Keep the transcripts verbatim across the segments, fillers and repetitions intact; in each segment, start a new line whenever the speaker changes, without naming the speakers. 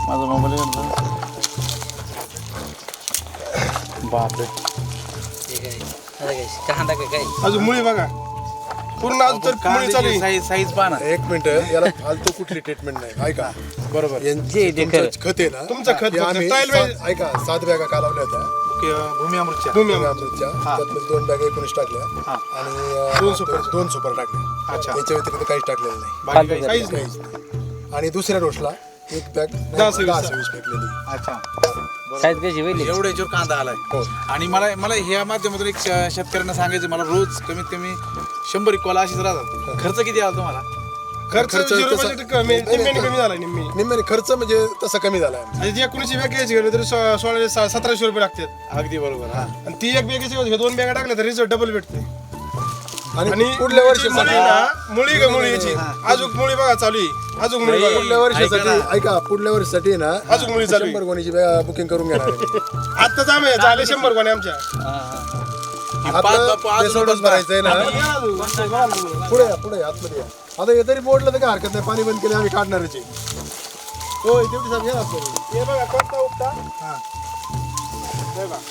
माझा मोबाईल बापरे
अजून मुळी बघा पूर्ण अजून तर मुळी चालू आहे.
साईज साईज पहा ना.
एक मिनिट याला फालतू कुठली ट्रीटमेंट नाही ऐका
बरोबर
यांचे तुमचं खत आहे ना
तुमचं खत
हे आम्ही
ट्रायल
सात- ऐका सात बॅगा कालवल्या होत्या
भूमी अमृतच्या
भूमी
भूमी
अमृत.
अमृतच्या त्यातमध्ये दोन बॅगा एकोणीस टाकल्या आणि अं,
दोन सुपर.
दोन सुपर टाकल्या
अच्छा.
याच्या व्यतिरिक्त काहीच टाकलेलं नाही
बाकी काही
काहीच नाही.
काहीच नाही आणि दुसऱ्या डोसला एक बॅग
दहा सव्वीस.
दहा सव्वीस फेकलेली
अच्छा
साईज कशी होईल
एवढ्या याच्यावर कांदा आलाय
हो.
आणि मला मला ह्या माध्यमातून एक श- शेतकऱ्यांना सांगायचं मला रोज कमीत कमी शंभर एक कॉल अशीच राहतात. खर्च किती आला तुम्हाला?
खर्च
खर्च
झिरो
तसा-
बजेट कमी निम्म्याने कमी झाला निम्मी
निम्म्याने खर्च म्हणजे तसा कमी झाला आहे.
आणि ती एकोणीसशे बॅग घ्यायची गेली तरी सो- सोळाशे सा- सतराशे रुपये लागतात
अगदी बरोबर हा
आणि ती एक बॅगेची हे दोन बॅगा टाकल्या तर रिझल्ट डबल भेटते
आणि
आणि
पुढल्या
मुळी
वर्षीसाठी
ना मुळी का मुळी याची अजून मुळी बघा चालू आहे अजून मुळी बघा
पुढल्या वर्षीसाठी ऐका पुढल्या वर्षीसाठी ना
अजून मुळी चालू आहे.
शंभर गोणीची बुकिंग करून घेणार आहे.
आत्ताच आम्ही झाले शंभर कोणी आमच्या
पाच
आपलं
बापू अजून
बेसोडच भरायचंय ना
या अजून.
पुढे या पुढे या, आतमध्ये या आता हे तरी बोर्डला तर काय हरकत नाही पाणी बंद केले आम्ही काढणारच आहे. हो तेवढी साहेब या आतमध्ये.
हे बघा कोणता उपटा हे बघा.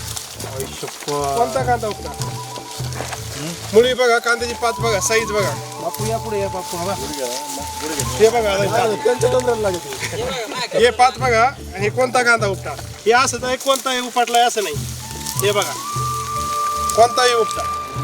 कोणता कांदा उपटा मुळी बघा कांद्याची पात बघा साईज बघा
बापू या पुढे या बापू हा बा.
हे बघा
हा, त्यांच्या तंत्राला लागते
हे पात बघा आणि हे कोणता कांदा उपटा हे असं नाही कोणताही उपटलाय असं नाही हे बघा कोणताही उपटा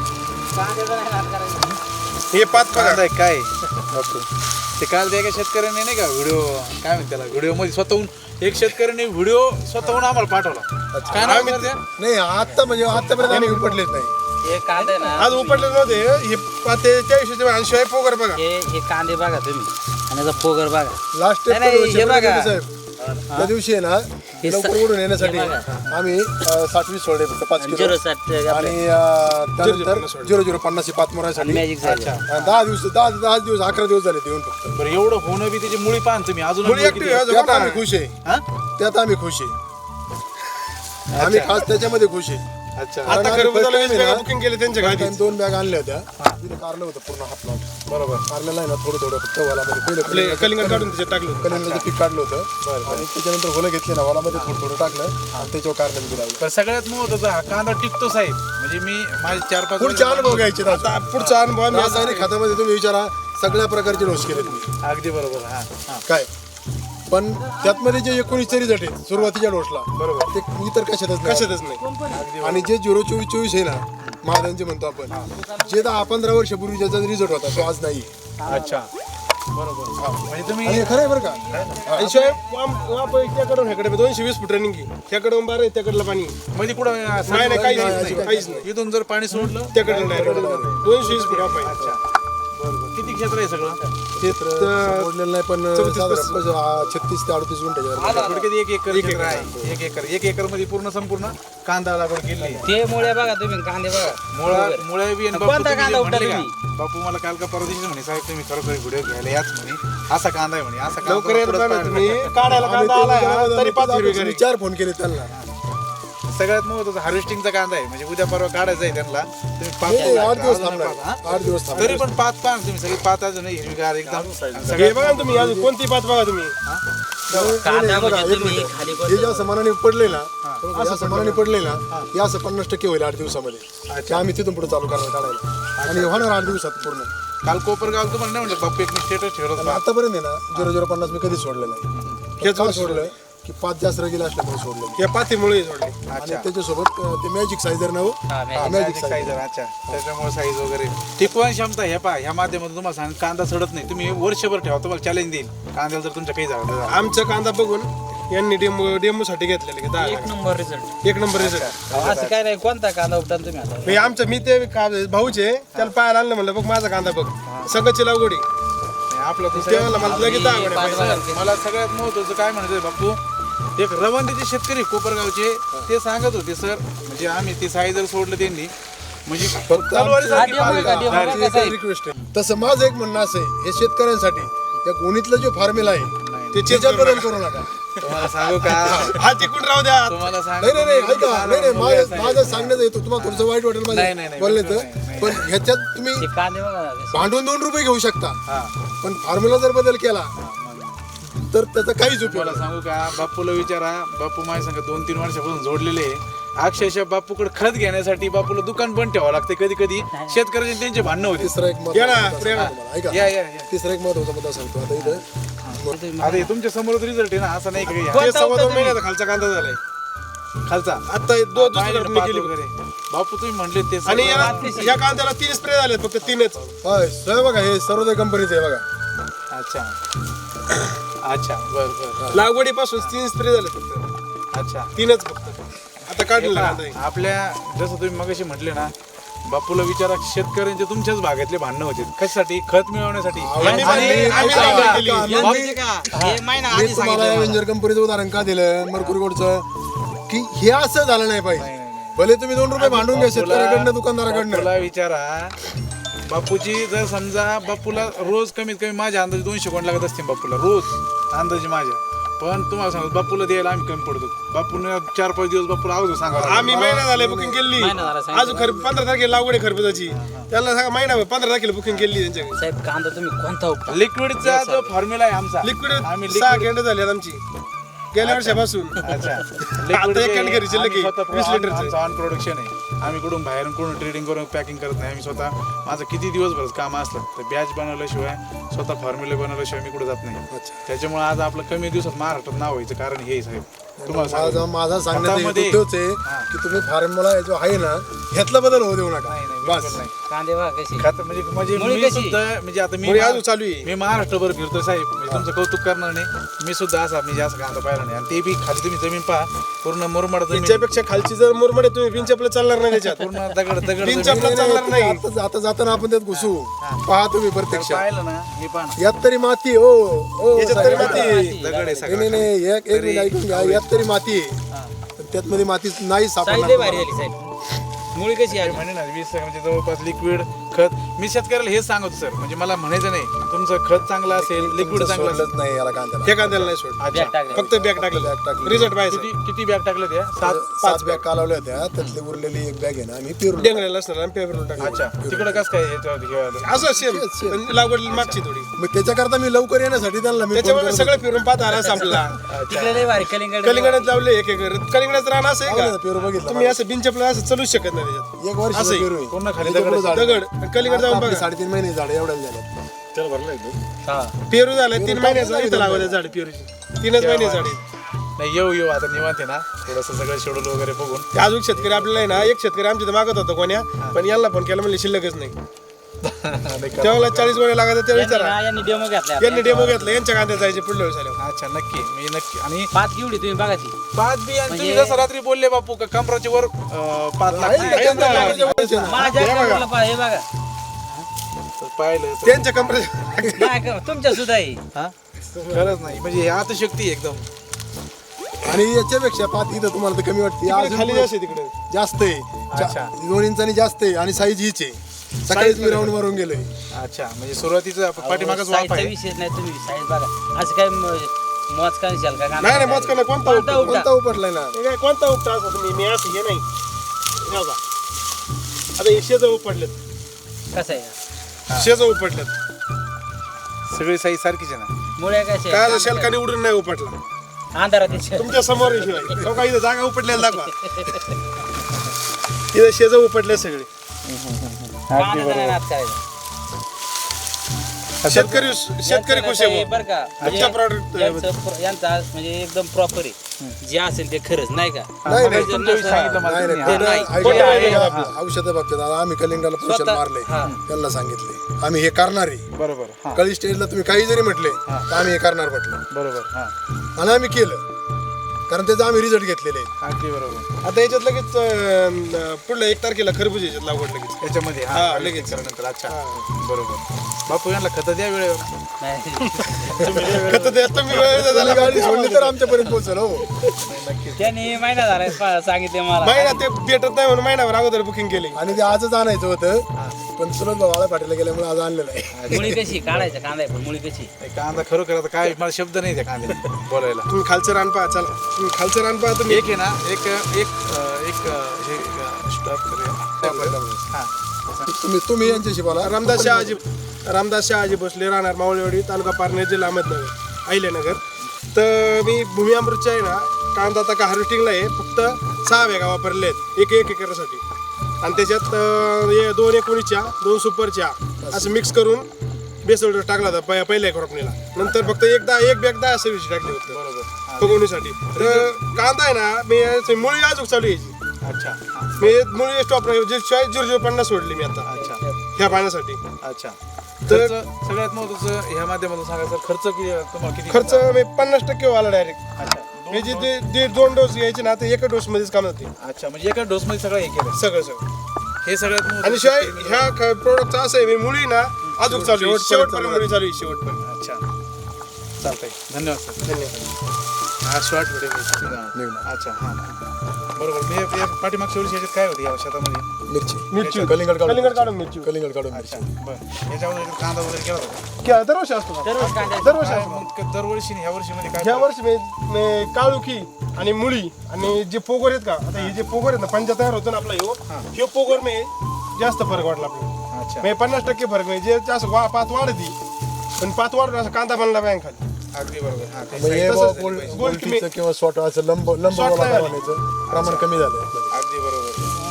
हे पात बघा
कांदा आहे काय बापू ते काल त्या एका शेतकऱ्याने नाही का व्हिडिओ काय म्हणते त्याला व्हिडिओ मध्ये स्वतःहून एक शेतकऱ्याने व्हिडिओ स्वतःहून आम्हाला पाठवला काय नाव आहे त्या?
नाही आता म्हणजे आतापर्यंत आम्ही उपटलेच नाही
हे कांदे ना
आज उपटले नव्हते हे पाते त्या विषयी आणि शिवाय पोगर बघा
हे हे कांदे बघा तुम्ही आणि याचा पोगर बघा
लास्ट
नाही, नाही, हे बघा.
साहेब त्या दिवशी आहे ना
हे
लवकर
सा-
ओढून येण्यासाठी
हे बघा.
आम्ही अं, साठवीस सोडले फक्त पाच किलो
झिरो साठ
आणि अं, त्यानंतर झिरो झिरो पन्नास पाच मोरासाठी
मॅजिक साईज
दहा दिवस दहा दहा दिवस अकरा दिवस झाले ते येऊन फक्त
बरं एवढं होणं बी त्याची मुळी पाहा ना तुम्ही अजून
मुळी
मुळी
active
किती
आहे.
आहे?
त्यात आम्ही खुश आहे
हा?
त्यात आम्ही खुश आहे आम्ही खास त्याच्यामध्ये खुश आहे
अच्छा
आता
आणि
खरं
first time आहे ना,
बुकिंग केले त्यांच्या
first
गाडीत
time दोन बॅग आणल्या होत्या तिथे कारलं होतं पूर्ण हात प्लॉट
बरोबर
कारल्याला आहे ना थोडं थोडं फक्त वालामध्ये
आपले
पहिलं
कलिंगड काढून त्याच्यात टाकलं
कलिंगडाचं पीक काढलं होतं आणि त्याच्यानंतर होलं घेतले ना वालामध्ये थोडं थोडं टाकलं आणि त्याच्यावर कारलं बी लावलं
पण सगळ्यात महत्वाचं हा कांदा टिकतो साहेब म्हणजे मी माझे चार पाच
पुढचे अनुभव घ्यायचे
आता पुढचा अनुभव आम्ही आता
रासायनिक खतामध्ये तुम्ही विचारा सगळ्या प्रकारचे डोस केलेत मी
अगदी बरोबर हा हा
काय पण त्यातमध्ये जे एकोणीस तरी जटे सुरुवातीच्या डोसला
बरोबर
ते इतर कशातच नाही.
कशातच नाही
आणि जे झिरो चोवीस चोवीस आहे ना महाराजांचे म्हणतो आपण जे दहा पंधरा वर्षापूर्वी ज्याचा रिझल्ट होता तो आज नाही
अच्छा बरोबर हा. म्हणजे तुम्ही
आणि हे खरं आहे बरं का
आणि शिवाय वाम- वाप त्याकडून ह्याकडे दोनशे वीस फूट रनिंग त्याकडून बारा आहे, त्याकडलं पाणी
मध्ये कुठं
नाही नाही काहीच
नाही,
नाही काहीच नाही
इथून जर पाणी सोडलं
त्याकडलं डायरेक्ट दोनशे वीस फूट वाप आहे
अच्छा बरोबर किती क्षेत्र आहे सगळं
तर
मोडलेलं नाही पण
चौतीस
साधारण बस, आ, छत्तीस ते अडतीस गुंठ्याच्या
थोडक्यात एक एकर क्षेत्र आहे एक एकर एक एकर मध्ये पूर्ण संपूर्ण कांदा लागवड केली आहे.
ते मुळे बघा तुम्ही कांदे बघा
मुळा मुळा बी आणि बापू
कोणता
तुम्ही
कांदा
जे
उपटा
म्हणले का?
तुम्ही?
बापू मला काल का परवा दिवशी म्हणे साहेब तुम्ही खरोखर व्हिडिओ घ्यायला याच म्हणे असा कांदा आहे म्हणे असा कांदा
लवकर येत
पुढं
ना
पाहिलं.
तुम्ही काढायला कांदा आलाय तरी पाच हिरवी
मी
घरी
चार फोन केले त्यांना
सगळ्यात महत्वाचा हार्वेस्टिंगचा कांदा आहे म्हणजे उद्या परवा काढायचा आहे त्यांना तुम्ही पाच
नाही, आठ दिवस
अजून
थांबणार
पाच, हा?
आठ दिवस थांबणार
तरी पण पाच पाच तुम्ही सगळी पाच अजून हिरवीगार एकदम
हे
सगळ्यात
बघा ना तुम्ही अजून कोणती पात बघा तुम्ही
नाही, नाही,
कांदा
बघा,
म्हणजे
एक
तुम्ही
मिनिट.
खाली
हे ज्या समानाने पडले ना या समानाने पडले ना हे असं पन्नास टक्के होईल आठ दिवसामध्ये ते आम्ही तिथून पुढे चालू करणार काढायला आणि होणार आठ दिवसात पूर्ण
काल कोपरगाव तुम्हाला नाही म्हणलं बाप्पू एक स्टेटस ठेवत
आणि आतापर्यंत आहे ना झिरो झिरो पन्नास मी कधी सोडलं नाही
हेच
का
वर्ष
सोडलं की पाच जास्त रगील असल्यामुळे सोडलं
या पातीमुळे जोडले
आणि त्याच्यासोबत अं, ते मॅजिक सायझर नाव
हा, magic
मॅजिक
साईज
सायझर
अच्छा त्याच्यामुळे साईज वगैरे टिकवण क्षमता हे पहा ह्या माध्यमातून तुम्हाला सांग कांदा सडत नाही तुम्ही वर्षभर ठेवा तुम्हाला चॅलेंज देईल कांद्याला जर तुमच्या काही झालं तर.
आमचा कांदा बघून यांनी डेमो डेमो साठी घेतलेले की दहा
एक
लाख.
नंबर रिझल्ट
एक नंबर रिझल्ट
असं काय नाही कोणता कांदा उपटा तुम्ही आता
म्हणजे आमचं मी ते का- भाऊचे त्याला पाहायला आणलं म्हणलं बघ माझा कांदा बघ सगळची लागवडी
नाही, आपलं तर
तेव्हा मला लगेच दहा गोड्या
पाच
पाहिजे.
बघा.
मला सगळ्यात महत्वाचं काय म्हणायचं बापू एक रवंदीचे शेतकरी कोपरगावचे ते सांगत होते सर म्हणजे आम्ही ते साईजर सोडलं त्यांनी म्हणजे
फक्त
तलवारीसारखी
आधी आम्हाला
पात.
गाडी आम्हाला
आमची
कसं आहे?
एकच रिक्वेस्ट आहे तसं माझं एक म्हणणं असं आहे हे शेतकऱ्यांसाठी या गोणीतला जो फॉर्म्युला आहे
ते चेक
त्याच्यात
करू
बदल
नका.
करू नका
तुम्हाला सांगू का
हा तिकून राहू द्या
तुम्हाला
नाही नाही नाही
सांगू
ऐका नाही नाही माझं माझं सांगण्यात येतो तुम्हाला थोडंसं वाईट वाटेल
नाही, नाही,
माझ्या
नाही,
बोलले
नाही,
तर
नाही.
पण ह्याच्यात तुम्ही
ते कांदे बघा
भांडून दोन रुपये घेऊ शकता
हा
पण फॉर्म्युला जर बदल केला तर त्याचा काहीच उपयोग
मला
नाही.
सांगू का, बापूला विचारा, बापू माझ्या संग दोन तीन वर्षापासून जोडलेले आहे. अक्षरशः बापूकडे खत घेण्यासाठी बापूला दुकान बंद ठेवावं लागते कधी कधी. शेतकऱ्यांचे त्यांचे भांडणं होते.
तिसरा एक
या ना,
महत्वाचा
प्रेम.
मुद्दा सांगतो तुम्हाला.
या
ऐका
या या
तिसरा एक महत्वाचा मुद्दा सांगतो आता इथं.
आता हे तुमच्या समोरच रिझल्ट आहे ना, असं नाही का हे?
ते सव्वा दोन महिन्याचा खालचा कांदा झालाय
खालचा
आता हे दो दुसरी
बाहेर
कापणी
पात
केली
वगैरे. बापू तुम्ही म्हणले ते
आणि
सगळं-
या या कांद्याला तीन स्प्रे झाले फक्त तीनच
होय सर बघा हे सर्वोदय कंपनीचं आहे बघा.
अच्छा अच्छा बर बर
लागवडीपासून तीन स्प्रे झाले फक्त
अच्छा.
तीनच फक्त आता काढलेला कांदा आहे.
आपल्या जसं तुम्ही मगाशी म्हटले ना, बापूला विचारा, शेतकऱ्यांचे तुमच्याच भागातले भांडणं होते कशासाठी? खत मिळवण्यासाठी.
आम्ही-
आणि-
आम्ही- आम्ही
ऐका,
लागवड केली.
आम्ही-
बाप-
माहिती का हे महिना
मी
आधी
तुम्हाला
सांगितलं मला.
एव्हेंजर कंपनीचं उदाहरण का दिलं मरकुरी गोडचं की हे असं झालं नाही पाहिजे.
नाही, नाही, नाही.
भले तुम्ही दोन रुपये भांडून घ्या शेतकऱ्याकडनं दुकानदाराकडनं.
बापूला विचारा, बापूची जर समजा बापूला रोज कमीत कमी माझ्या अंदाजे दोनशे कोण लागत असतील बापूला रोज अंदाजे माझ्या. पण तुम्हाला सांगतो बापूला द्यायला आम्ही कमी पडतो. बापून चार पाच दिवस बापूला अगोदर सांगा.
आम्ही महिना झाले बुकिंग केली
महिना झाला, सांगितलं.
अजून खर पंधरा तारखेला लागवड आहे खरबुजाची. त्याला सांगा महिना पंधरा तारखेला बुकिंग केली त्यांच्याकडे.
साहेब कांदा तुम्ही कोणता उपटा?
लिक्विडचा जो फॉर्म्युला आहे आमचा
लिक्विड
आम्ही
सहा
लिक्विड
गेंड झाली आमची गेल्या वर्षापासून.
अच्छा
आता एक कण घरी शिल्लक आहे, वीस लिटरचं.
आमचं ऑन प्रोडक्शन आहे. आम्ही कुठून बाहेरून कुठून ट्रेडिंग करून पॅकिंग करत नाही. आम्ही स्वतः माझं किती दिवसभर काम असलं तर बॅच बनवल्याशिवाय स्वतः फॉर्म्युले बनवल्याशिवाय मी कुठे जात नाही. त्याच्यामुळे आज आपलं कमी दिवसात महाराष्ट्रात नाव व्हायचं कारण हे साहेब तुम्हाला
माझा
सांगतो.
माझा सांगण्याचा
खतामध्ये-
हेतू तोच आहे की तुम्ही फॉर्म्युला जो आहे ना ह्यातला बदल होऊ देऊ नका.
नाही, नाही,
बस
बिलकुल नाही.
कांदे बघा कशी
खत म्हणजे म्हणजे
मुळी
मी
कशी?
सुद्धा म्हणजे आता मी
मुळी
मा-
अजून चालू आहे.
मी महाराष्ट्रभर फिरतो साहेब, म्हणजे तुमचं कौतुक करणार नाही. मी सुद्धा असा म्हणजे असं कांदा पाहिला नाही. आणि ते बी खाली तुम्ही जमीन पहा पूर्ण मुरमाड जमीन,
त्यांच्यापेक्षा खालची जर मुरमडे तुम्ही पिंचपलं चालणार नाही त्याच्यात.
पूर्ण दगड दगड
तीन
जमीन.
चपला चालणार नाही.
आता जाता जाताना आपण त्यात घुसू पहा तुम्ही
तर
प्रत्यक्ष
पाहिलं ना हे पहा ना.
यात तरी माती हो हो
याच्यात तरी
साहेब.
माती आहे.
दगड आहे
नाही
सगळं.
नाही नाही एक एक मिनिट ऐकून घ्या यात तरी माती आहे पण त्यात मध्ये माती नाही
साईज लय भारी
सापडणार.
झाली साहेब. मुळी कशी आहे?
म्हणे ना वीस म्हणजे जवळपास लिक्विड खत मी शेतकऱ्याला हेच सांगतो सर, म्हणजे मला म्हणायचं नाही तुमचं खत चांगलं असेल लिक्विड
तुमचं
चांगलं असेल.
सोडलंच नाही याला कांद्याला.
हे कांद्याला नाही सोड
अच्छा
बॅग टाकलं.
फक्त बॅग टाकलेलं
बॅग टाकली.
रिझल्ट पाहिजे
किती किती बॅग टाकले त्या? सात.
पाच बॅग कालवल्या होत्या त्यातली उरलेली एक बॅग आहे ना आम्ही पेरू
डेंगळ्याला असणार आणि पेपरला टाकलं.
अच्छा तिकडं कसं काय याच्यावर घेवायला?
असं सेम
शेत, शेत.
पण लागवड मागची थोडी.
मग त्याच्याकरता मी लवकर येण्यासाठी त्यांना मी फोन
त्याच्यामुळे
करत
सगळं फिरून पाहता आला संपला.
तिकडे लय भारी कलिंगड
कलिंगडात लावले एक एकर कलिंगडात रान असं आहे
होतो.
का
पेरू बघितला
तुम्ही असं बिनचपला असं चालूच शकत नाही त्याच्यात.
एक वर्ष
असं आहे.
पेरू आहे.
पूर्ण खाली
त्याच्या पुढं
दगड
झाड.
दगड आणि कलिंगड जाऊन
आता आपले
बघा
साडेतीन महिने झाड एवढ्या झाले
हा
पेरू झालं तीन महिन्याचं इथं लावलं झाड पेरूची तीनच महिने झाड आहे.
नाही येऊ येऊ आता निवांत आहे ना थोडस सगळं शेड्यूल वगैरे बघून.
ते अजून शेतकरी आपल्याला आहे ना एक शेतकरी आमच्या इथं मागत होता कोण्या पण यांना फोन केला म्हणजे शिल्लकच नाही.
नाही का?
तेव्हा चाळीस गोळे लागत ते विचारा
यांनी- यांनी डेमो घेतला
यांनी डेमो घेतला यांच्या कांद्यात जायचे पुढल्या वेळेस आल्यावर.
अच्छा नक्की मी नक्की. आणि
पाच घेवडी तुम्ही बघा ती
पाच बी आणि तुम्ही
म्हणजे-
जसं रात्री बोलले बापू का कमराच्या वर अं, पाच
आहे
लागते.
का? त्यांच्या लागायच्या वयाचे ना.
माझ्या कमरेला पहा, हे बघा
तर पाहिलं तर
त्यांच्या कंपनी
नाही का, तुमच्या सुद्धा आहे
हा? खरंच नाही म्हणजे हे आतशक्ती आहे एकदम.
आणि याच्यापेक्षा पात इथं तुम्हाला तर कमी वाटते अजून
खाली
पुढं
जास्त आहे तिकडे.
जास्त आहे
अच्छा.
चा- दोन इंचांनी जास्त आहे आणि साईज हीच आहे सकाळीच मी राऊंड मारून गेलोय.
अच्छा म्हणजे सुरुवातीचं पाठीमागच वाफ
साईजचा
आहे.
विषय नाही, तुम्ही साईज बघा असं काय म- मोज का निशाल का
नाही नाही मोजकाला कोणता
कोणता
उपटा?
उपटा?
कोणता उपटलाय ना
हे काय कोणता उपटा असा तुम्ही मी असं हे नाही हे बघा. आता हे शेज उपटलेत
कसं आहे
शेज उपटलेत
सगळी साईज सारखीच आहे ना.
मुळे कसे
काय झालं, शेलकाने उडून नाही उपटला
अंधारात दिसत.
तुमच्या समोर आहे शिवाय तो काही जागा उपटलेला दाखवा इथं शेज उपटले सगळे
कांद्याचा नाही नाद करायचा.
शेतकरी शेतकरी खुश आहे
यांचं
बुवा.
बरं का
तुमच्या product-
म्हणजे यांचं प्र- यांचं आज म्हणजे एकदम प्रॉपर आहे जे असेल ते खरंच नाही का
नाही नाही
जर
तुमच्या विषयी
नसलं-
सांगितलं मला
नाही
तुम्ही.
नाही
ते नाही.
खोटं-
खोटं
ऐका,
आहे.
ऐका, आपलं औषधा बाबतीत आता आम्ही कलिंगाला पोषण
स्वतः-
मारले
हा.
त्यांना सांगितले आम्ही हे करणार आहे
बरोबर हा
कळी स्टेजला तुम्ही काही जरी म्हटले तर आम्ही हे करणार म्हटलं
बरोबर हा
आणि आम्ही केलं कारण त्याचा आम्ही रिझल्ट घेतलेले आहेत.
अगदी बरोबर.
आता याच्यात लगेच अं, पुढल्या एक तारखेला खरबूज याच्यात लागवड लगेच
त्याच्यामध्ये
हा,
हा
लगेच.
लगेच नंतर अच्छा बरोबर. बापू यांना खत द्या वेळेवर.
नाही.
खत द्या तुम्ही वेळ
तुम्ही
झाला
गाडी सोडली तर आमच्यापर्यंत पोहोचल हो
नक्कीच.
त्यांनी महिना झाला पा- सांगितले मला
महिना ते भेटत नाही म्हणून महिनाभर अगोदर बुकिंग केली
आणि ते आजच आणायचं होतं पण चुलत भावाला पाठीला गेल्यामुळे आज आणलेलं आहे.
मुळी कशी काढायचं कांदा आहे पण मुळी कशी
नाही, कांदा खरोखर आता काय मला शब्द नाही त्या कांद्याला बोलायला.
तुम्ही खालचं रान पहा चला तुम्ही खालचं रान पहा तुम्ही
एक आहे ना एक एक अं, एक अं, हे स्टॉप करूया. हा
तुम्ही तुम्ही यांच्याशी बोला
रामदास शहाजी रामदास शहाजी भोसले राहणार मावळेवाडी तालुका पारनेर जिल्हा अहमदनगर अहिल्यानगर तर मी भूमी अमृतच्या आहे ना कांदा आता का हार्वेस्टिंगला आहे फक्त सहा बॅगा वापरले आहेत एक एक एकरासाठी आणि त्याच्यात अं, हे दोन एकोणीसच्या दोन सुपरच्या असं मिक्स करून बेसल डोस टाकला होता पहि- पहिल्या क्रॉपणीला नंतर फक्त एकदा एक बॅग दहा सव्वीस टाकली होती
बरोबर
फुगवणीसाठी तर कांदा आहे ना मी याची मुळी अजून चालू यायची
अच्छा हा.
मी मुळी स्टॉप जे चाळीस झिरो झिरो पन्नास सोडली मी आता
अच्छा
ह्या पाण्यासाठी
अच्छा
तर-
खर्च सगळ्यात महत्वाचं ह्या माध्यमातून सांगायचं खर्च किती तुम्हाला किती
खर्च मी पन्नास टक्के आला डायरेक्ट
अच्छा
मी जे ते दीड दोन डोस घ्यायचे ना ते एका डोस मध्येच काम होते
अच्छा म्हणजे एका डोस मध्ये सगळं हे केलं
सगळं सगळं
हे सगळ्यात महत्त्वाचं
आणि शिवाय
केलं.
ह्या प्रोडक्टचं असं आहे मी मुली ना अजून चालू आहे.
शेवटपर्यंत
शेवटपर्यंत
चालू
मुली चालू आहे शेवटपर्यंत
अच्छा चालतंय धन्यवाद सर
धन्यवाद
हा शॉर्ट व्हिडिओ अच्छा हां बरोबर मी एक- एक पाठीमागच्या वर्षी याच्यात काय होती या शेतामध्ये
मिरची
मिरची
कलिंगड काढून
कलिंगड काढून मिरची
कलिंगड काढून
अच्छा
मिरची
बरं याच्यावर कांदा वगैरे केला होता
क्या दरवर्षी असतो का?
दररोज कांदा
दरवर्षी
काय
असतो
मग क- दरवर्षी आणि ह्या वर्षी मध्ये काय
ह्या वर्षी मी मी काळुखी आणि मुळी आणि जे पोगर आहेत का आता हे जे पोगर आहेत ना पंजा तयार होतो ना आपला ह्यो ह्यो पोगर मी जास्त फरक वाटला आपल्याला
अच्छा
म्हणजे पन्नास टक्के फरक म्हणजे जे जास्त वा पात वाढती पण पात वाढून असं कांदा बनला बँक खाली
अगदी बरोबर हा ते
म्हणजे
तसंच
बुवा
झालं
पोल-
पाहिजे.
पोल्ट्रीचं किंवा स्वॉट असं लंब लंब
Short
गोळा
नाही
बनवण्याचं प्रमाण कमी झालं
अगदी बरोबर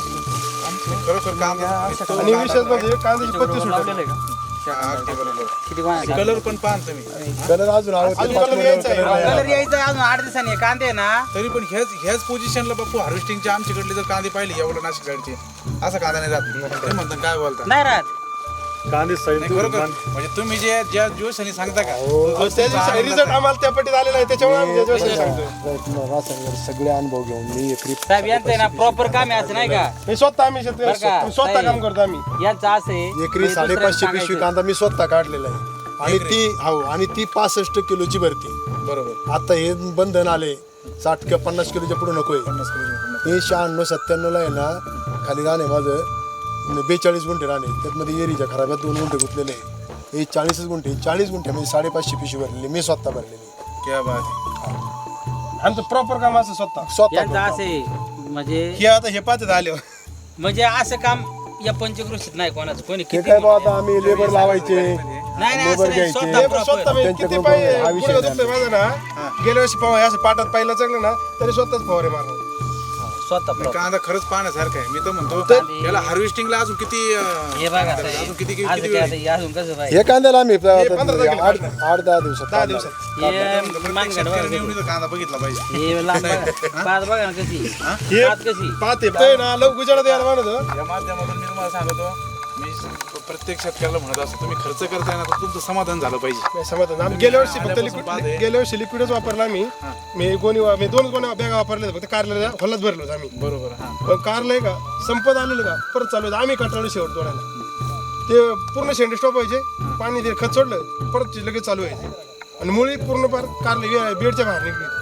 खरोखर काम
आणि विशेष म्हणजे कांद्याची पत्ती सुटली
अगदी बरोबर
किती वाजता?
कलर पण पाहा ना तुम्ही
कलर अजून आवडते
अजून
पाच
colour
महिन्यावर
यायचा आहे.
colour नाही
कलर
आला.
यायचा अजून आठ दिवसांनी कांदे ना
तरी पण ह्याच ह्याच पोझिशनला बापू हार्वेस्टिंगच्या आमच्याकडले जर कांदे पाहिले एवढं नाशिक साईडचे असा कांदा नाही राहत ते म्हणतात काय बोलता
नाही राहत
कांदे साईड
नाही खरोखर म्हणजे तुम्ही जे ज्या जोशाने सांगता का
अहो, त्या दिवशी रिझल्ट आम्हाला त्या पट्टीत आलेला आहे त्याच्यामुळे आम्ही त्या दिवशी सांगतोय
रासायनिक सगळे अनुभव घेऊन मी एकरी
साहेब यांचं आहे ना प्रॉपर काम आहे असं नाही का
मी स्वतः आम्ही शेतकरी
बरं का?
स्वतः
नाही.
काम करतो आम्ही
यांचं असं आहे
एकरी
म्हणजे
साडेपाचशे
दुसऱ्याला
पिशवी
सांगायचं.
कांदा मी स्वतः काढलेला आहे आणि ती हो आणि ती पासष्ट किलोची भरती
बरोबर
आता हे बंधन आले साठ किंवा पन्नास किलोच्या पुढे नकोय
पन्नास किलो
हे शहाण्णव सत्त्याण्णवला आहे ना खाली राहणे माझं बेचाळीस गुंठे राहणे त्यातमध्ये एरीच्या खराब्यात दोन गुंठे गुंतलेले आहे हे चाळीसच गुंठे चाळीस गुंठे म्हणजे साडेपाचशे पिशवी भरलेली मी स्वतः भरलेली
क्या बात आहे.
आमचं प्रॉपर काम असं स्वतः
स्वतः
यांचं
करतो.
असं आहे म्हणजे
हे आता हे पाच आले
म्हणजे असं काम या पंचकृषीत नाही कोणाचं कोणी
ते
किती
काय बा आता आम्ही लेबर लावायचे
नाही नाही असं
लेबर
नाही
घ्यायचे.
स्वतः
हे
proper.
स्वतः मी किती
त्यांच्याकडून
पाय
हा विषय
गुडघा दुखतोय माझं ना गेल्या वर्षी पवा असं पाटात पाहिलं चांगलं ना तरी स्वतःच फवारे मारणार
स्वतः proper.
कांदा खरंच पाहण्यासारखं आहे मी तर म्हणतो
तर-
याला हार्वेस्टिंगला अजून किती अं,
हे बघा
अजून
साहेब,
किती किती
आज
किती
काय
वेळ?
आता हे अजून कसं पाहिजे
हे कांद्याला आम्ही
पंधरा तारखेला
आठ
काढणार.
आठ दहा दिवसात
दहा
काढणार.
दिवसात
हे
प्रत्येक
मानगड
शेतकऱ्याने
बघा
एवढी तर कांदा बघितला पाहिजे
हे लांब बघा पाच बघा ना कशी
हे
पाच कशी
पाहते ते ना लव गुजरात यायला म्हणत
या माध्यमातून मी तुम्हाला सांगतो मी प्रत्येक शेतकऱ्याला म्हणत असतो तुम्ही खर्च करताय ना तर तुमचं समाधान झालं पाहिजे
नाही समाधान आम्ही गेल्या वर्षी फक्त
आल्यापासून पाहते.
लिक्विड गेल्या वर्षी लिक्विडच वापरला आम्ही मी गोणी मी दोन गोण्या बॅगा वापरल्या फक्त कारला हल्लाच भरलो होतो आम्ही
बरोबर हा
पण कारला आहे का संपत आलेलं का परत चालू होतं आम्ही कंटाळलो शेवट तोडायला ते पूर्ण शेंडे स्टॉप व्हायचे पाणी ते खत सोडलं परत ते लगेच चालू व्हायचे आणि मुळी पूर्ण पार कारला बेडच्या बाहेर निघली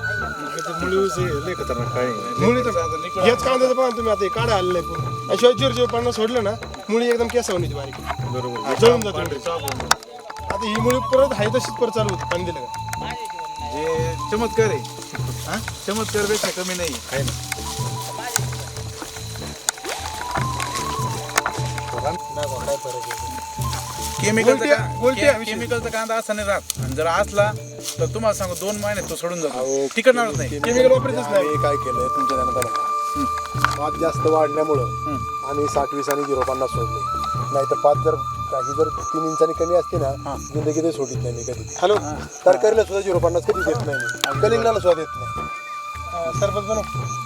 मुळी तर हेच कांद्याचं पाहा तुम्ही आता हे काढा आलेलं आहे पूर्ण आणि शिवाय जिरो जिरो पन्नास सोडलं ना मुळी एकदम केसावणी बारीक
बरोबर
जळून जाते आता ही मुळी परत आहे तशीच परत चालू होती पाणी दिलं का
जे चमत्कार आहे हा चमत्कार पेक्षा कमी नाही आहे ना केमिकलचा
उलट्या-
का-
उलट्या
के-
विषयी.
केमिकलचा कांदा असा नाही राहत आणि जर असला तर तुम्हाला सांगू दोन महिन्यात तो सोडून जातो टिकणारच नाही
केमिकल वापरतच नाही
आम्ही काय केलंय तुमच्या ध्यानात आलं का? पात जास्त वाढल्यामुळं आम्ही साठ वीस आणि झिरो पन्नास सोडले नाही तर पाच जर काही जर तीन इंचांनी कमी असते ना जिंदगी ते सोडित नाही मी कधी
हॅलो
तरकारीला सुद्धा झिरो पन्नास कधी देत नाही मी कलिंगडाला सुद्धा देत नाही
सरपंच बनव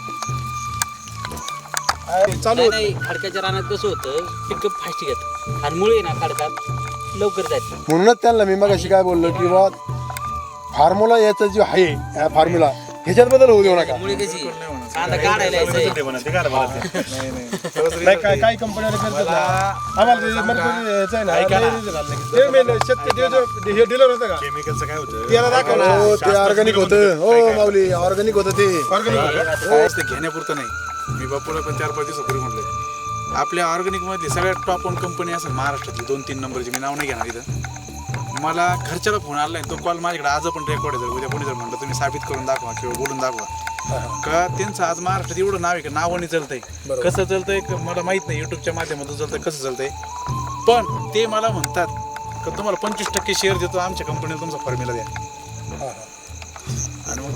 चालू
नाही
होतं.
नाही खडकाच्या रानात कसं होतं पिकअप फास्ट घेत आणि मुळे ना खडकात लवकर जायचं
म्हणूनच त्यांना मी मग अशी काय बोललो की बा फॉर्म्युला याचा जो आहे या फॉर्म्युला ह्याच्यात बदल होऊ देऊ नका
मुळे कशी कांदा काढायला यायचंय.
नाही नाही खरंच
नाही
result
काय काही कंपन्या करतात ना
मला-
आम्हाला ते मरकुरी यायचं आहे ना
ऐका ना.
लय result आला लगेच. ते मेन शेतकरी जे- जे- हे डीलर होतं का
केमिकलचं काय होतं
त्याला दाखव ना
हो ते ऑर्गॅनिक होतं हो माऊली ऑर्गॅनिक होतं ते
Organic होतं का?
काय ते घेण्यापुरतं नाही मी बापूला पण चार पाच दिवसापूर्वी म्हटलं आपल्या ऑर्गॅनिक मधली सगळ्यात टॉप वन कंपनी असेल महाराष्ट्रातली दोन तीन नंबरची मी नाव नाही घेणार इथं मला घरच्याला फोन आला तो कॉल माझ्याकडे आज पण रेकॉर्ड आहे जर उद्या कोणी जर म्हटलं तुम्ही साबित करून दाखवा किंवा बोलून दाखवा का त्यांचं आज महाराष्ट्रात एवढं नाव आहे का नावाने चालतंय कसं चालतंय क- मला माहित नाही युट्यूबच्या माध्यमातून चालतंय कसं चालतंय पण ते मला म्हणतात का तुम्हाला पंचवीस टक्के शेअर देतो आमच्या कंपनीला तुमचा फॉर्म्युला द्या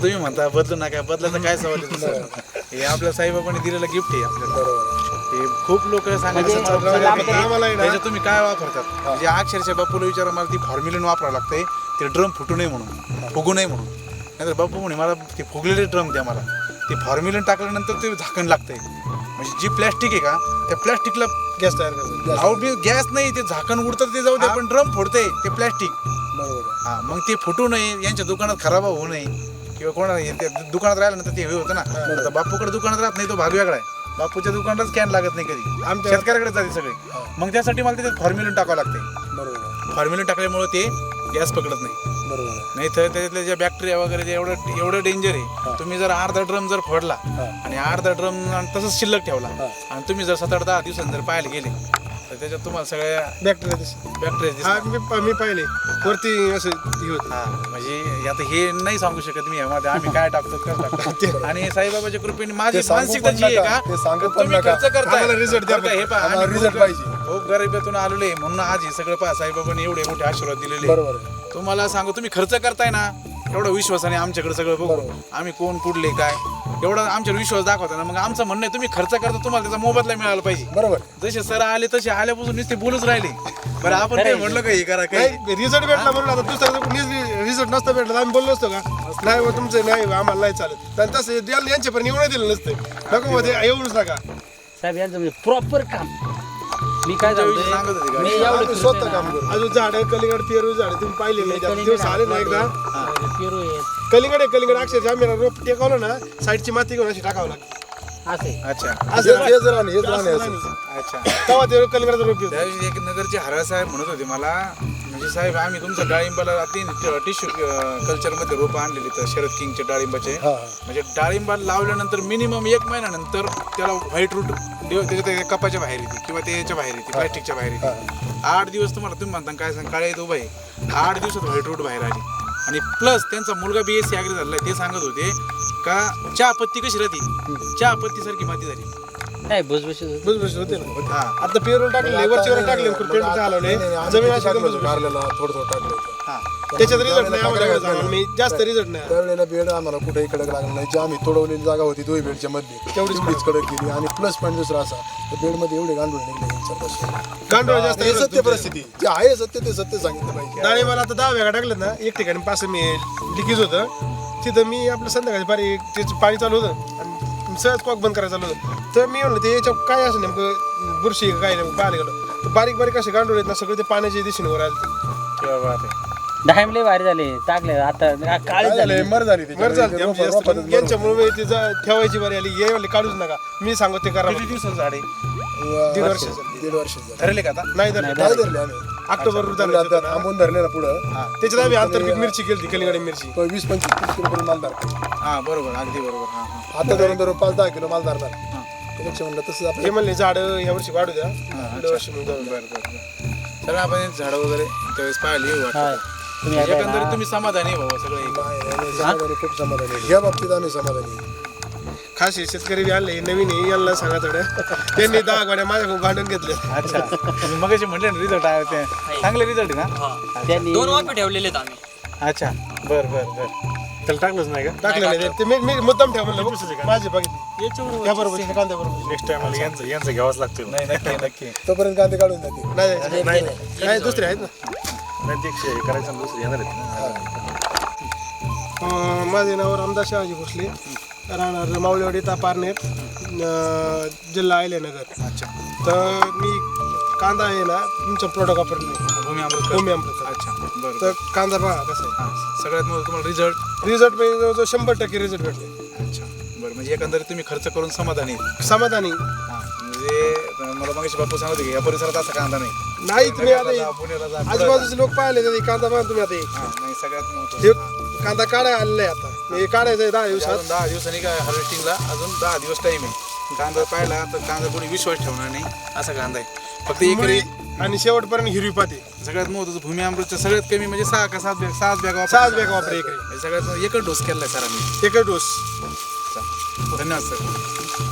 तुम्ही म्हणता बदलू नका, बदलायचं काय सवाल आहे दुसरं? हे आपल्या साईबाबांनी दिलेलं गिफ्ट आहे आपल्याला.
बरोबर
हे खूप लोक सांगायचं
म्हणजे
मला
आम्हाला आहे ना-
त्याच्यात तुम्ही काय वापरतात म्हणजे अक्षरशः बापूला विचारा मला ती फॉर्म्युलिन वापरावं लागतंय ते ड्रम फुटू नये म्हणून, फुगू नये म्हणून. नाहीतर बापू म्हणे मला ते फुगलेले ड्रम द्या, मला ते फॉर्म्युलिन टाकल्यानंतर ते झाकण लागतंय. म्हणजे जी प्लॅस्टिक आहे का त्या प्लॅस्टिकला
गॅस तयार करायचा.
गॅस नाही, ते झाकण उडतं ते जाऊ दे, पण ड्रम फोडतंय ते प्लॅस्टिक.
बरोबर आहे.
हा मग ते फुटू नये, यांच्या दुकानात खराब होऊ नये किंवा कोणा ते दुकानात राहिल्यानंतर ते हे होतं ना. आता बापूकडे दुकानात राहत नाही, तो भाग वेगळा आहे. बापूच्या दुकानातच कॅन लागत नाही कधी,
आमच्या-
शेतकऱ्याकडे जाते सगळे. मग त्यासाठी मला त्याच्यात फॉर्म्युलिन टाकावं लागते.
बरोबर आहे.
फॉर्म्युलिन टाकल्यामुळे ते गॅस पकडत नाही.
बरोबर आहे.
नाही तर त्याच्यातल्या ज्या बॅक्टेरिया वगैरे जे एवढं एवढं डेंजर आहे. तुम्ही जर अर्धा ड्रम जर फोडला आणि अर्धा ड्रम तसंच शिल्लक ठेवला आणि तुम्ही जर सात आठ दहा दिवसांनी जर पाहायला गेले तर त्याच्यात तुम्हाला सगळ्या
बॅक्टेरिया दिसते.
बॅक्टेरिया
हा
दिसतात.
मी मी पाहिले वरती असं हे होतं.
हा म्हणजे आता हे नाही सांगू शकत मी यामध्ये आम्ही काय टाकतो कसं टाकतो. आणि साईबाबाच्या कृपेने माझी
ते सांगू
मानसिकता
पण
जी आहे
नका,
का
ते सांगू
तर
पण
तुम्ही
नका.
खर्च करताय
आम्हाला result द्या
बरं का, हे पहा,
आम्हाला
आम्ही
result
खूप-
पाहिजे.
खूप गरिबीतून आलेलो आहे म्हणून आज हे सगळं पहा साईबाबांनी एवढे मोठे आशीर्वाद दिलेले आहे.
बरोबर आहे.
तुम्हाला सांगू तुम्ही खर्च करताय ना एवढा विश्वासाने आमच्याकडे सगळं बघू
बरोबर.
आम्ही कोण कुठले काय एवढा आमच्यावर विश्वास दाखवता ना. मग आमचं म्हणणं आहे तुम्ही खर्च करता तुम्हाला त्याचा मोबदला मिळाला पाहिजे.
बरोबर आहे.
जसे सर आले तसे आल्यापासून नुसते बोलूच राहिले. बरं आपण काय म्हणलं का हे करा काही
नाही रिझल्ट भेटला म्हणून आता दुसरा रिझल्ट नसता भेटला तर आम्ही बोललो असतो का नाही बा तुमचं नाही बा, आम्हाला नाही चालत. तर तसं द्यायला यांच्यापर्यंत येऊन दिलं नसतं नको मध्ये येऊनच नका.
साहेब यांचं म्हणजे प्रॉपर काम. मी काय
तुमच्या विषयी सांगत होते
सांगतो
का?
मी
आम्ही
एवढं
स्वतः काम करू.
अजून झाड कलिंगड पेरू झाड तुम्ही पाहिले नाही त्यात दिवस आले ना एकदा
पेरू आहे
कलिंगड आहे कलिंगड अक्षरशः आम्ही रोप टेकवलं ना साईडची माती घेऊन अशी टाकावं लागते
असे
अच्छा
असं
हेच राहणे हेच राहणे
असं
असं.
नाही.
अच्छा
तेव्हा ते कलिंगडाचा रोप येतो.
त्यावेळी एक नगरचे हरा साहेब म्हणत होते मला म्हणजे साहेब आम्ही तुमचं डाळिंबाला तीन टिश्यू कल्चरमध्ये रोपं आणलेली तर शरद किंगचे डाळिंबाचे.
हा
म्हणजे डाळिंबाला लावल्यानंतर मिनिमम एक महिन्यानंतर त्याला व्हाईट रूट त्याच्या त्या कपाच्या बाहेर येते किंवा त्याच्या बाहेर येते प्लॅस्टिकच्या बाहेर येते. आठ दिवस तुम्हाला तुम्ही म्हणता काय सांग काळे उभा आहे आठ दिवसात व्हाईट रूट बाहेर आली. आणि प्लस त्यांचा मुलगा बी एस सी ॲग्री झालेला आहे. ते सांगत होते का चहा पत्ती कशी राहते चहा पत्ती सारखी माती झाली.
नाही भुसभुशीत
बस बस होते ना.
हा
आता पेरू टाकले वरची वर टाकले पेंट घालवले जमीन अशी एकदम भुसभुशीत.
कारल्याला थोडं थोडं टाकलं होतं.
हा
त्याच्यात रिझल्ट नाही आम्हाला एवढं जाणवलं. मी जास्त रिझल्ट नाही.
त्यावेळेला बेड आम्हाला कुठेही कडक लागला नाही. जी आम्ही तोडवलेली जागा होती दोही बेडच्या मध्ये
तेवढीच
तेवढीच कडक केली. आणि प्लस पॉईंट दुसरा असा त्या बेडमध्ये एवढे गांडूळ निघले यांच्यापासून.
गांडूळ जास्त
हे सत्य परिस्थिती जे आहे सत्य ते सत्य सांगितलं पाहिजे.
डाळी मला आता दहा वेळा टाकलं ना एक ठिकाणी पाच मी लिकेज होतं तिथं मी आपलं संध्याकाळी बारीक त्याचं पाणी चालू होतं आणि सहज कॉक बंद करायचं चालू होतं. तर मी म्हणलं ते याच्या काय असं नेमकं बुरशी आहे का काय नेमकं पाहायला गेलो तर बारीक बारीक असे गांडूळ आहेत ना सगळे ते पाण्याच्या दिशेने वर आले.
किंवा बात आहे.
डायम लय भारी झाले टाकले आता काळी
काय
झाले.
झालंय? मर झाली ती.
बरं चालते आमची जास्त
रोपातच
पण
मर
यांच्यामुळे ते जा- ठेवायची बरी आली ये म्हणले काढूच नका मी सांगतो ते करा
किती दिवसाचं झाड आहे
झाली.
दीड वर्ष
दीड वर्ष झाली.
ठरले का आता
नाही तर
काय धरले आम्ही
ऑक्टोबर
धरले आता थांबून धरले ना पुढं
त्याच्यात आम्ही आंतरपीक मिरची केली कलिंगडी मिरची
तो वीस पंचवीस तीस किलो पर्यंत माल धरतो.
हा बरोबर अगदी बरोबर हा हा
आता धरून धरून पाच दहा किलो माल धरणार त्यापेक्षा म्हणलं तसं
हे
आपलं
म्हणले झाड या वर्षी वाढू द्या
हा,
पुढल्या वर्षी मग जाऊ.
बरं बरं बरं चला आपण झाडं वगैरे त्यावेळेस पाहिली
हा.
वाटतं
तुम्ही आता आहे
एकंदरीत
ना,
तुम्ही समाधानी आहे बाबा सगळे
आम्ही समाधानी खूप समाधानी आहे. या बाबतीत आम्ही समाधानी आहे.
खास हे शेतकरी बी आणले नवीन आहे यांना सांगा थोड्या त्यांनी दहा गाड्या माझ्याकडून भांडून घेतले.
अच्छा तुम्ही मगाशी म्हटले ना रिझल्ट आहे ते चांगले रिझल्ट आहे ना
त्यांनी
दोन वाफे ठेवलेले आहेत आम्ही.
अच्छा बर बर बर त्याला टाकलंच नाही का
टाकले नाही ते मी मी मुद्दाम ठेव म्हणलं बघ, माझे बघितले त्या बरोबर कांद्या बरोबर
नेक्स्ट टाइम यांचं यांचं घ्यावंच लागतं.
नाही नक्की नक्की
तोपर्यंत कांदे काढून जाते.
नाही
नाही
नाही दुसरे आहेत ना.
नाही ते हे करायचं आणि दुसरं येणार आहेत ना.
अं, माझे नाव रामदास शहाजी भोसले राहणार मावळेवाडी तापारनेर अं, जिल्हा अहिल्यानगर.
अच्छा
तर मी कांदा आहे ना तुमचं प्रोडक्ट वापरले
भूमी अमृत
भूमी अमृत.
अच्छा बरं
तर कांदा पहा कसा आहे
हा सगळ्यात मोठं तुम्हाला रिझल्ट
रिझल्ट म्हणजे जवळजवळ शंभर टक्के रिझल्ट भेटले.
अच्छा बरं म्हणजे एकंदरीत तुम्ही खर्च करून समाधानी आहे.
समाधानी
हा म्हणजे मला मगाशी बापू सांगत होते की या परिसरात असा कांदा नाही
नाही तुम्ही
नगरला जा,
आता
पुण्याला जा, पुढं
आजूबाजूचे लोक पाहिले तर हे कांदा पहा तुम्ही आता हे.
जा. हा नाही सगळ्यात महत्त्वाचं.
हे कांदा काढायला आलेला आहे आता हे काढायचं आहे दहा दिवसात.
अजून दहा दिवसांनी काय हार्वेस्टिंगला अजून दहा दिवस टाइम आहे. कांदा पाहिला तर कांदा कोणी विश्वास ठेवणार नाही असा कांदा आहे. फक्त एकरी
मुळी आणि शेवटपर्यंत हिरवी पाती
सगळ्यात महत्त्वाचं भूमी अमृतचं सगळ्यात कमी म्हणजे सहा का सात बॅग सहाच बॅग
सहाच बॅग वापरा एकरी
सगळ्यात एकच डोस केलाय सरांनी.
एकच डोस.
धन्यवाद सर.